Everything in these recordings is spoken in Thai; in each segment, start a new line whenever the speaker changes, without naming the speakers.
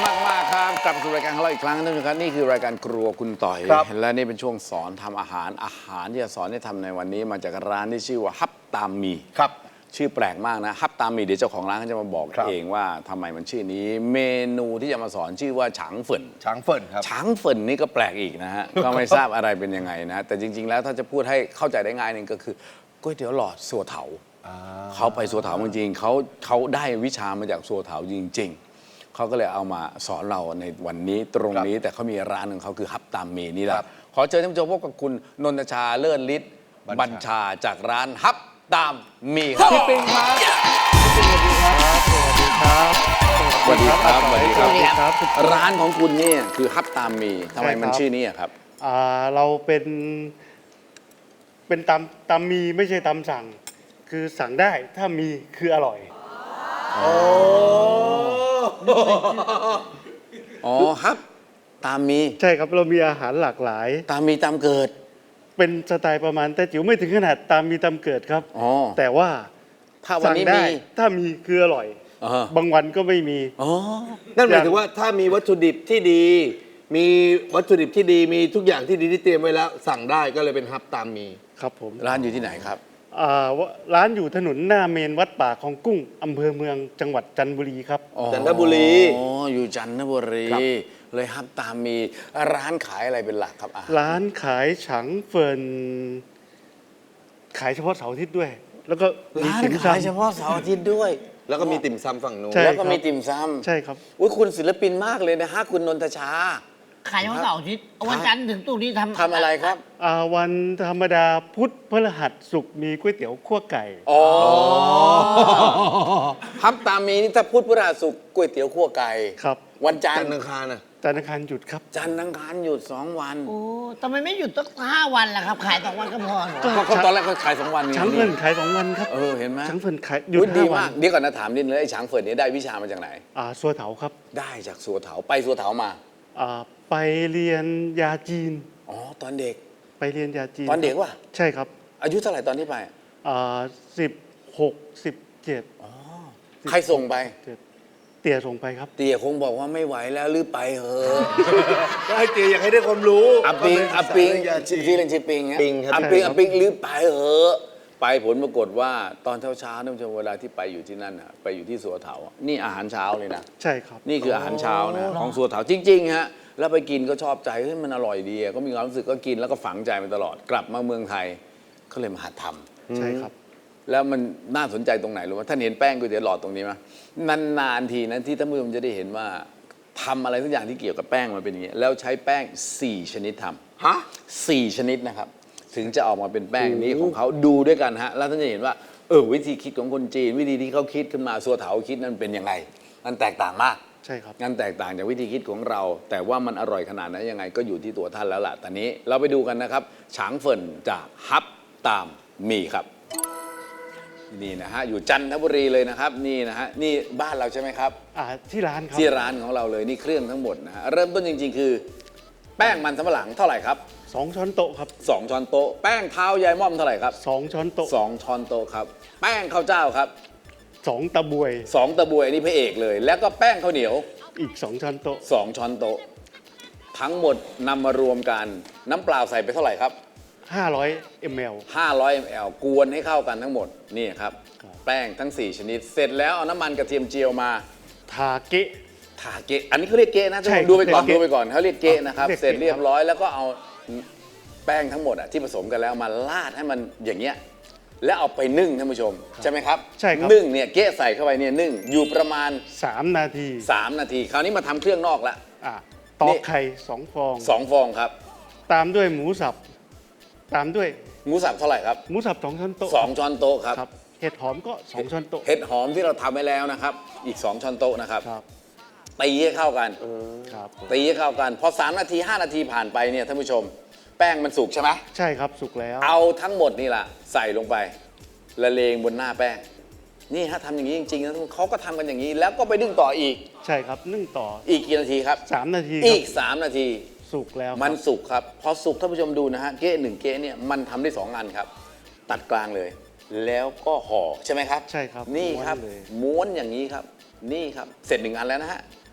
มากครับกลับมาสู่รายการของเราอีกครั้งนึงนะครับนี่คือรายการครัวคุณต่อยและนี่เป็นช่วงสอนทำอาหารที่จะสอนให้ทำในวันนี้มาจากร้านที่ชื่อว่าฮับตามมี
ครับ
ชื่อแปลกมากนะฮับตามมีเดี๋ยวเจ้าของร้านเขาจะมาบอกเองว่าทำไมมันชื่อนี้เมนูที่จะมาสอนชื่อว่าฉางเฟิน
ครับ
ฉางเฟินนี่ก็แปลกอีกนะฮะ ก็ไม่ทราบอะไรเป็นยังไงนะแต่จริงๆแล้วถ้าจะพูดให้เข้าใจได้ง่ายนึงก็คือก๋วยเตี๋ยวหลอดสัวเถาเขาไปสัวเถาจริงๆเขาได้วิชามาจากสัวเถาจริงๆเขาก็เลยเอามาสอนเราในวันนี้ตรงนี้แต่เขามีร้านของเขาคือฮับตามมีนี่แหละขอเชิญท่านผู้ชมพบกับคุณนนทชาเลิศฤทธิ์บัญชาจากร้านฮับตามมีครับ
พี่ปิงครับสวัสดีครับสวัสดีครับ
สวัสดีครับสวัสดี
ครับ
ร้านของคุณเนี่ยคือฮับตามมีทำไมมันชื่อนี้ครับ
เราเป็นตำมีไม่ใช่ตำสั่งคือสั่งได้ถ้ามีคืออร่อย
อ๋อฮับตามมี
ใช่ครับเรามีอาหารหลากหลาย
ตามมีตามเกิด
เป็นสไตล์ประมาณแต่จิ๋วไม่ถึงขนาดตามมีตามเกิดครับแต่ว่า
ถ้าวันนี้มี
ถ้ามีคืออร่อยบางวันก็ไม่มี
นั่นหมายถึงว่าถ้ามีวัตถุดิบที่ดีมีวัตถุดิบที่ดีมีทุกอย่างที่ดีที่เตรียมไว้แล้วสั่งได้ก็เลยเป็นฮับตามมี
ครับผม
ร้านอยู่ที่ไหนครับ
ร้านอยู่ถนนหน้าเมนวัดป่าของกุ้งอำเภอเมืองจังหวัดจันทบุรีครับ
จันทบุรี
อ๋ออยู่จันทบุรีเลยฮับตามมีร้านขายอะไรเป็นหลักครับ
ร้านขายฉางเฟินขายเฉพาะเสาร์อาทิตย์ด้วยแล้วก็
ร้านขายเฉพาะเสาร์อาทิตย์ด้วย
แล้วก็มีติ่มซำฝั่งนู้น
แล้วก็มีติ่มซำ
ใช่ครับ
อุ้ยคุณศิลปินมากเลยนะฮะคุณนนทชา
ขายเฉพาะเสาร์อาทิตย์วันจันทร์ถึงศุกร์นี้
ทำอะไรครับ
วันธรรมดาพุธพฤหัสศุกร์มีก๋วยเตี๋ยวคั่วไก่
อ๋อฮับตามมีนี่ถ้าพุธพฤหัสศุกร์ก๋วยเตี๋ยวคั่วไก่
ครับ
วันจันทร์
อังคาร
จันทร์อังคารหยุดครับ
จันทร์อังคารหยุด2 วัน
โอ้ทำไมไม่หยุดตั้ง5 วันล่ะครับขาย2 วันก็พอ
ก็ตอนแรกเขาขาย2 วัน
ฉางเฟินขาย2 วันครับ
เห็นไหม
ฉางเฟินขายหยุด
ดี
5 วั
มากเดี๋ยวก่อนนะถามนิดนึงไอ้ฉางเฟินนี้ได้วิชามาจากไหน
สัวเถาครับ
ได้จากสัวเถาไปสัวเถามา
ไปเรียนยาจีน
ตอนเด็ก
ไปเรียนยาจีน
ตอนเด็กวะ
ใช่ครับ
อายุเท่าไหร่ตอนที่ไป
16 17
ใครส่งไป
เตี๋ยส่งไปครับ
เตี๋ยคงบอกว่าไม่ไหวแล้วหรือไปเหอะ
ก็ให้เตี๋ยอยากให้ได้ความรู้
อาปิงที่เล่นชื่อปิง
ปิง
อาปิงหรือไปเหอะไปผลปรากฏว่าตอนเช้าท่านผู้ชมเวลาที่ไปอยู่ที่นั่นไปอยู่ที่สัวเถานี่อาหารเช้าเลยนะ
ใช่ครับ
นี่คืออาหารเช้านะของสัวเถาจริงๆฮะแล้วไปกินก็ชอบใจเฮ้ยมันอร่อยดีก็มีความรู้สึกก็กินแล้วก็ฝังใจมาตลอดกลับมาเมืองไทยก็เลยมาหัดท
ำใช่ครับ
แล้วมันน่าสนใจตรงไหนรู้ไหมท่านเห็นแป้งก๋วยเตี๋ยวหลอดตรงนี้ไหมนานๆทีนั้นที่ท่านผู้ชมจะได้เห็นว่าทำอะไรทุกอย่างที่เกี่ยวกับแป้งมันเป็นอย่างนี้แล้วใช้แป้ง4 ชนิดทำ4 ชนิดนะครับถึงจะออกมาเป็นแป้งนี้ของเขาดูด้วยกันฮะแล้วท่านจะเห็นว่าวิธีคิดของคนจีนวิธีที่เขาคิดขึ้นมาสัวเถาคิดนั้นเป็นยังไงมันแตกต่างมาก
ใช่ครับ
งั้นแตกต่างจากวิธีคิดของเราแต่ว่ามันอร่อยขนาดไหนยังไงก็อยู่ที่ตัวท่านแล้วล่ะตอนนี้เราไปดูกันนะครับฉางเฟินจากฮับตามมีครับนี่นะฮะอยู่จันทบุรีเลยนะครับนี่นะฮะนี่บ้านเราใช่ไหมครับ
ที่ร้านครับ
ที่ร้านของเราเลยนี่เครื่องทั้งหมดนะฮะเริ่มต้นจริงๆคือแป้งมันสำปะหลังเท่าไหร่ครับ
2 ช้อนโต๊ะครับ
2 ช้อนโต๊ะแป้งเท้ายายม่อมเท่าไหร่ครับ
2 ช้อนโต๊ะ
2 ช้อนโต๊ะครับแป้งข้าวเจ้าครับ
2 ตะบวย
2 ตะบวยนี่พระเอกเลยแล้วก็แป้งข้าวเหนียว
อีก2 ช้อนโต๊ะ
2 ช้อนโต๊ะทั้งหมดนำมารวมกันน้ำเปล่าใส่ไปเท่าไหร่ครับ
500 ml
500 ml กวนให้เข้ากันทั้งหมดนี่ครับแป้งทั้ง4 ชนิดเสร็จแล้วเอาน้ำมันกระเทียมเจียวมา
ทาเกะ
อันนี้เขาเรียกเกะนะดูไปก่อนเขาเรียกเกะนะครับเสร็จเรียบร้อยแล้วก็เอาแป้งทั้งหมดที่ผสมกันแล้วมาราดให้มันอย่างเงี้ยแล้วเอาไปนึ่งท่านผู้ชมใช่ไหมครับ
ใช่ครับ
นึ่งเนี่ยเกะใส่เข้าไปเนี่ยนึ่งอยู่ประมาณ
3 นาที
คราวนี้มาทำเครื่องนอกละ
ตอกไข่2 ฟอง
2 ฟองครับ
ตามด้วยหมูสับตามด้วย
หมูสับเท่าไหร่ครับ
หมูสับ2 ช้อนโต๊ะ
2 ช้อนโต๊ะครับ
เห็ดหอมก็2 ช้อนโต๊ะ
เห็ดหอมที่เราทำไว้แล้วนะครับอีก2 ช้อนโต๊ะนะครับตีให้เข้ากันตีให้เข้ากันพอ3 นาที 5 นาทีผ่านไปเนี่ยท่านผู้ชมแป้งมันสุกใช่ไหม
ใช่ครับสุกแล้ว
เอาทั้งหมดนี่แหละใส่ลงไปละเลงบนหน้าแป้งนี่ฮะทำอย่างนี้จริงๆนะเขาก็ทำกันอย่างนี้แล้วก็ไปนึ่งต่ออีก
ใช่ครับนึ่งต่อ
อีกกี่นาทีครับ
3 นาที
อีก3 นาที
สุกแล้ว
มันสุกครับพอสุกท่านผู้ชมดูนะฮะเก๊ะ1 เก๊ะเนี่ยมันทำได้2 อันครับตัดกลางเลยแล้วก็ห่อใช่ไหมครับ
ใช่ครับ
นี่ครับม้วนอย่างนี้ครับนี่ครับเสร็จ1 อันแล้วนะฮะ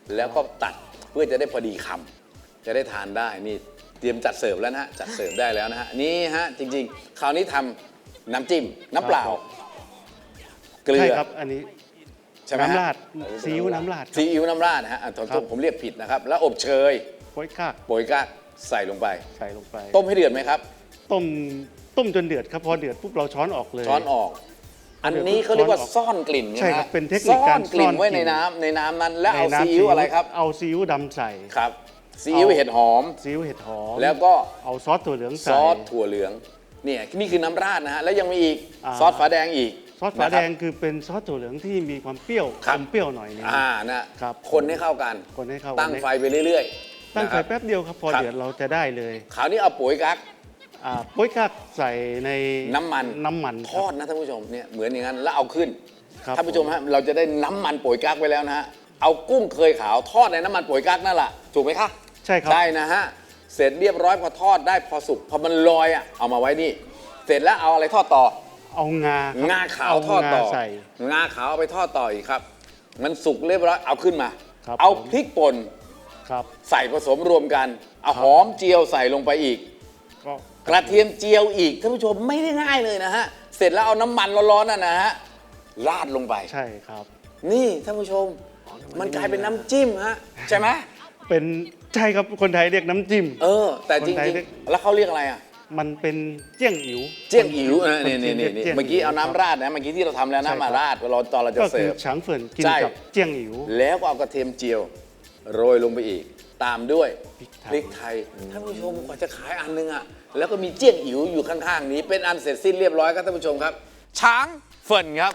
แล้วก็ตัดเพื่อจะได้พอดีคำจะได้ทานได้นี่เตรียมจัดเสิร์ฟแล้วนะฮะจัดเสิร์ฟได้แล้วนะฮะนี่ฮะจริงๆคราวนี้ทำน้ำจิ้มน้ำเปล่าเกลื
ใช่
อ
ครับอันนี้
ใช่ไหมฮะ
น้ำราดซีอิ๊วน้ำราด
ซีอิ๊วน้ำราดนะฮะผมเรียกผิดนะครับ แล้วอบเชย
โป๊ยกาก
โปรยกากใส่ลงไป
ใส่ลงไป
ต้มให้เดือดไหมครับ
ต้มจนเดือดครับพอเดือดปุ๊บเราช้อนออกเลย
ช้อนออก อันนี้เขาเรียกว่าซ่อนกลิ่น
ใช่
ไหม
ครับ
ฮะ
เป็นเทคนิค
ซ่
กา
อ
ร
นกลิ่น
ซ่อน
ไว้
กลิ่
ใน
น
น้ำนั้นแล้วเอา
ในน้ำ
ซีอิ๊วอะไรครับ
เอาซีอิ๊วดำใส่
ครับซีอิ๊วเห็ดหอม
ซีอิ๊วเห็ดหอม
แล้วก็
เอาซอสถั่วเหลือง
ซ
ใส่
อสถั่วเหลืองเนี่ยนี่คือน้ำราดนะฮะแล้วยังมีอีก
อ่า
ซอสฝาแดงอีก
ซอสฝาแดง
นะครับ
คือเป็นซอสถั่วเหลืองที่มีความเปรี้ยว
ครับ
อมเปรี้ยวหน่อยนึง
นะครับ คนให้เข้ากัน
คนให้เข้า
ตั้งไฟไปเรื่อยๆ
ตั้งไฟ
นะครับ
แป๊บเดียวครับพอ
ครับ
เดือดเราจะได้เลย
คราวนี้เอาปุ๋ยกั๊ก
โป๊ยกากใส่ใน
น้ำมัน
ค
ท
รับ
อดนะท่านผู้ชมเนี่ยเหมือนอย่างนั้นแล้วเอาขึ้น
ครับ
ท่านผู้ชมฮะเราจะได้น้ำมันปุ๋ยกั๊กไว้แล้วนะฮะเอากุ้งเคยขาวทอดในน้ำมันปุ๋ยกั๊กนั่นแหละถูกไหมคะ
ใช่ครับ
ได้นะฮะเสร็จเรียบร้อยพอทอดได้พอสุกพอมันลอยอ่ะเอามาไว้นี่ เสร็จแล้วเอาอะไรทอดต่อ
เอางาครับ
งาขาวทอดต่อ
เางาใส่
งาขาวเอาไปทอดต่ออีกครับ มันสุกเรียบร้อยเอาขึ้นมา
ครับ
เอา
ผม
พริกป่น
ครับ
ใส่ผสมรวมกันเอาหอมเจียวใส่ลงไปอีก
ก็
กระเทียมเจียวอีกท่านผู้ชมไม่ได้ง่ายเลยนะฮะเสร็จแล้วเอาน้ำมันร้อนๆนั่นนะฮะราดลงไป
ใช่ครับ
นี่ท่านผู้ชมมันกลายเป็นน้ำจิ้มฮะใช่ไหม
เป็นใช่ครับคนไทยเรียกน้ำจิ้ม
แต่จ
คนไทย
ริง
เรียก
ๆแล้วเขาเรียกอะไรอ่ะ
มันเป็นเจี้ยงอิ๋ว
เจี้ยงอิ๋ว
คน
นี่
จีรีย
นี่
จี้ยง
เมื่อกี้เอา
ว
น้ำราดนะเมื่อกี้ที่เราทำแล้ว
ใช่ครับ
น้ำมาราดตอนเราจะ
ก็
เสิ
คือ
ร์ฟ
ฉางเฟินกิน
ใช่
กับเจี้ยงอิ๋ว
แล้วก็เอากระเทียมเจียวโรยลงไปอีก ตามด้วย
พริกไทย
ท่านผู้ชมกว่าจะขายอันนึงอ่ะแล้วก็มีเจี้ยงอิ๋วอยู่ข้างๆนี้เป็นอันเสร็จสิ้นเรียบร้อยครับท่านผู้ชมครับ ช้างเฟินครับ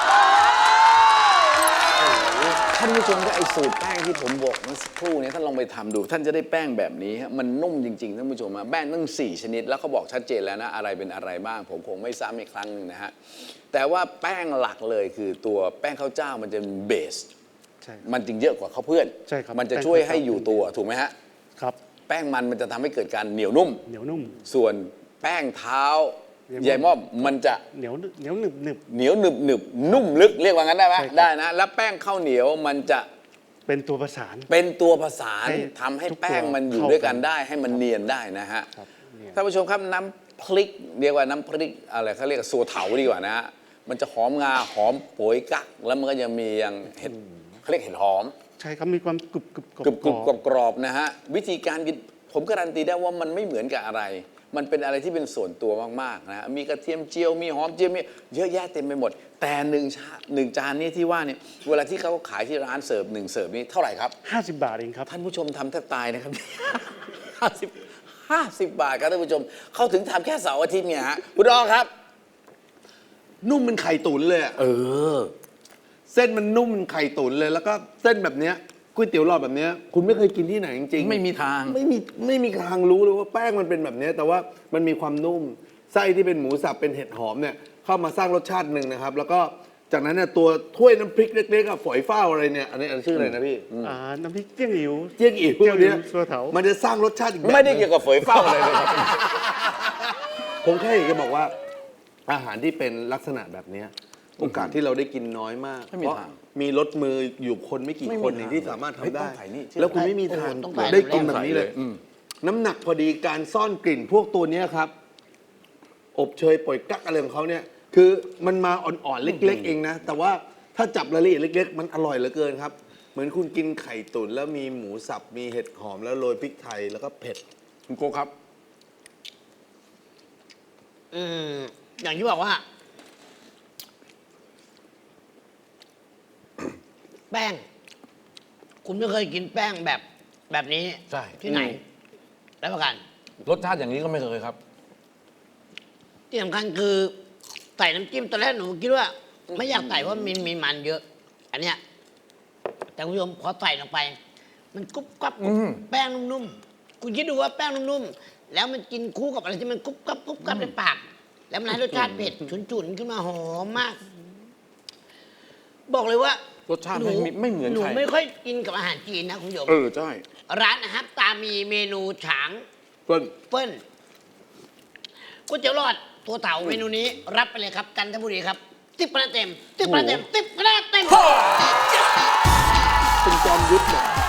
ท่านผู้ชมก็ไอสูตรแป้งที่ผมบอกเมื่อสักครู่นี้ท่านลองไปทำดู ท่านจะได้แป้งแบบนี้ฮะมันนุ่มจริงๆท่านผู้ชมแป้งตั้ง4 ชนิด แล้วเขาบอกชัดเจนแล้วนะอะไรเป็นอะไรบ้าง ผมคงไม่ซ้ำอีกครั้งหนึงนะฮะแต่ว่าแป้งหลักเลยคือตัวแป้งข้าวเจ้ามันจะเป็นเบส
ใช่
มันจึงเยอะกว่าข้าวเพื่อน
ใช่ครับ
มันจะช่วยให้อยู่ตัวถูกไหมฮะ
ครับ
แป้งมันจะทำให้เกิดการเหนียวนุ่ม
เหนียวนุ่ม
ส่วนแป้งเท้า
าย
ยายม่อมมันจะ
เหนียวหนึบหนึบ
เหนียวหนึบหนึบนุ่มลึกเรียกว่างั้นได้ไหม
ใช่ครับ
ได้นะ แล้วแป้งข้าวเหนียวมันจะ
เป็นตัวประสาน
เป็นตัวผสาน
ให้
ทำให้
ทุกตัว
แป้งมันอยู่
เข้า
ด้วยกัน
กัน
ได้ให้มันเนียนได้นะฮะ
ครับเนี่ย
ท่านผู้ชมครับน้ำพริกเรียกว่าน้ำพริกอะไรเขาเรียกว่าสัวเถาดีกว่านะฮะมันจะหอมงาหอมโป๋ยกักแล้วมันก็ยังมีอย่างเห็ดเขาเรียกเห็ดหอม
ใช่ครับมีความกรุบกรุบ
กรุบกรุบกรอบๆนะฮะวิธีการกินผมการันตีได้ว่ามันไม่เหมือนกับอะไร มันเป็นอะไรที่เป็นส่วนตัวมากๆนะฮะมีกระเทียมเจียวมีหอมเจียวมีเยอะแยะเต็มไปหมด แต่หนึ่งจานนี้ที่ว่าเนี่ยเวลาที่เขาขายที่ร้านเสิร์ฟ1 เสิร์ฟนี่เท่าไหร่ครับ
50 บาทเองครับ
ท่านผู้ชมทำแทบตายนะครับ 50 บาทครับท่านผู้ชมเขาถึงทำแค่เสาร์อาทิตย์เนี่ยฮะคุณอ้อครับ
นุ่มเป็นไข่ตุ๋นเลยอะ เส้นมันนุ่มเป็นไข่ตุ๋นเลย แล้วก็เส้นแบบเนี้ยก๋วยเตี๋ยวหลอดแบบเนี้ยคุณไม่เคยกินที่ไหนจริงๆ
ไม่มีทาง
ไม่มีทางรู้เลยว่าแป้งมันเป็นแบบเนี้ยแต่ว่ามันมีความนุ่มไส้ที่เป็นหมูสับเป็นเห็ดหอมเนี่ยเข้ามาสร้างรสชาติหนึ่งนะครับ แล้วก็จากนั้นเนี่ยตัวถ้วยน้ำพริกเล็กๆอะฝอยฟ้าวอะไรเนี่ยอันนี้ชื่ออะไรนะพี่
น้ำพริกเจี้ยงอิ๋ว
เจี้ยงอิ๋ว
เจี้ยงอิ๋ว
เนี่ย
สัวเถา
มันจะสร้างรสชาติอีกแบบ
ไม่ได้เกี่ยวกับเฝยเฝ้าอะไรเลยครับ
ผมแค่อยากจะบอกว่า อาหารที่เป็นลักษณะแบบเนี้ยโอกาสที่เราได้กินน้อยมาก
ไม่มี
เพราะ
ทาง
มีรถมืออยู่คนไม่กี่
ไม่มี
คนเอง
ทาง
ที่สามารถ
เฮ้ย
ทำได้
ต้องใส่นี่
แล้วคุณไม่มีทาง
ต้องใส่
ได้กินแบบนี้เลย
อืม
น้ำหนักพอดีการซ่อนกลิ่นพวกตัวเนี้ยครับ อบเชยป่อยกักอะไรของเขาเนี่ย คือมันมาอ่อนๆเล็ก ๆ เองนะ แต่ว่าถ้าจับรายละเอียดเล็ก ๆ มันอร่อยเหลือเกินครับ เหมือนคุณกินไข่ตุ๋นแล้วมีหมูสับมีเห็ดหอมแล้วโรยพริกไทยแล้วก็เผ็ด
คุณโกครับ
อย่างที่บอกว่า แป้ง คุณไม่เคยกินแป้งแบบนี้
ใช่
ที่ไหนแล้วประกัน
รสชาติอย่างนี้ก็ไม่เคยครับ
ที่สำคัญคือใส่น้ำจิ้มตอนแรกหนูคิดว่า ไม่อยากใส่เพราะมีมันเยอะ อันเนี้ยแต่คุณผู้ชมพอใส่ลงไป มันกรุบกรับแป้งนุ่มๆคุณคิดดูว่าแป้งนุ่มๆแล้วมันกินคู่กับอะไรที่มันกรุบกรับในปาก แล้วมันให้รสชาติเผ็ดฉุนๆขึ้นมาหอมมาก บอกเลยว่าร
สชาติไม่เหมือน
หนู
ใคร
ไม่ค่อยกินกับอาหารจีนนะคุณผู้ชม
ใช่
ร้านนะครับตามมีเมนูฉาง
เปิ้ล
เปิ้ลก๋วยเตี๋ยวหลอดตัวเต่าเมนูนี้ รับไปเลยครับจันทบุรีครับ10 คะแนนเต็ม10 คะแนนเต็ม10 คะแนนเต็ม
เป็นจอมยุทธเนี่ย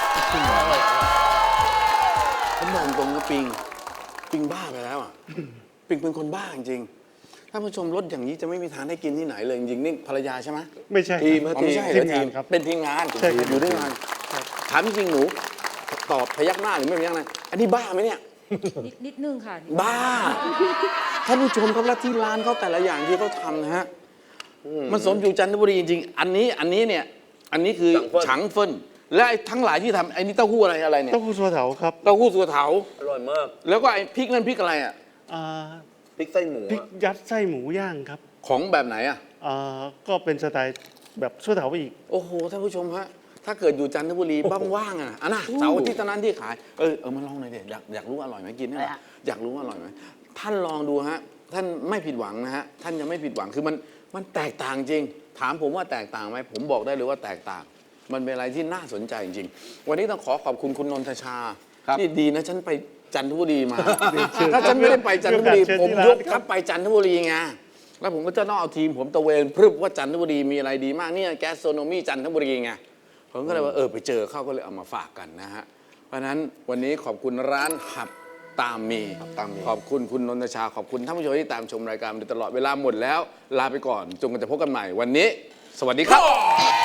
ก็ปิงบ้าไปแล้วอ่ะ ปิงเป็นคนบ้าจริงๆท่านผู้ชมรถอย่างนี้จะไม่มีทางได้กินที่ไหนเลยจริงๆนี่ภรรยาใช่ไหม
ไม่ใช่
ทีม
ครับ
อ๋อไม่ใช่เหรอ
ทีมงานครับ
เป็นทีมงาน
ใช่ครับ
อยู่ด้วยกันถามจริงๆหนูตอบพยักหน้าหรือไม่พยักหน้าอันนี้บ้าไหมเนี่ย
นิดนึงค่ะ
บ้าท่านผู้ชมครับแล้วที่ร้านเขาแต่ละอย่างที่เขาทำนะฮะมันสมอยู่จันทบุรีจริงๆอันนี้เนี่ยอันนี้คือฉังเฟินและไอ้ทั้งหลายที่ทำไอ้นี่เต้าหู้อะไรเนี่ย
เต้าหู้สัวเถาครับ
เต้าหู้สัวเถา
อร่อยมาก
แล้วก็ไอ้พริกนั่นพริกอะไรอ่ะ
อ่า
พริกไส้หมู
พริกยัดไส้หมูย่างครับ
ของแบบไหนอ่ะ
ก็เป็นสไตล์แบบสัวเถาไปอีก
โอ้โหท่านผู้ชมฮะถ้าเกิดอยู่จันทบุรีว่างๆอ่ะอันน่ะเสาร์อาที่ตอนนั้นที่ขายมาลองหน่อยเด็อยากรู้อร่อยไหมกินได้ไหมอยากรู้ว่าอร่อยไหมท่านลองดูฮะท่านไม่ผิดหวังนะฮะท่านยังไม่ผิดหวังคือมันแตกต่างจริง ถามผมว่าแตกต่างไหมผมบอกได้เลยว่าแตกต่าง มันเป็นอะไรที่น่าสนใจจริงๆวันนี้ต้องขอขอบคุณคุณนนทชาที่ดีนะฉันไปจันทบุรีมา ถ้าฉันไม่ได้ไปจันทบุรี
เชิญ
ผม
ที่ร้าน
ยกทัพไปจันทบุรีไงแล้วผมก็จะต้องเอาทีมผมตะเวนพรึบว่าจันทบุรีมีอะไรดีมากเนี่ยแกสโซโนมีจันทบุรีไงผมก็เลยว่าไปเจอเข้าก็เลยเอามาฝากกันนะฮะเพราะฉะนั้นวันนี้ขอบคุณร้านหับตามมีขอบคุณคุณนนทชาขอบคุณท่านผู้ชมที่ตามชมรายการมาโดยตลอดเวลาหมดแล้วลาไปก่อนจนกันจะพบกันใหม่วันนี้ สวัสดีครับ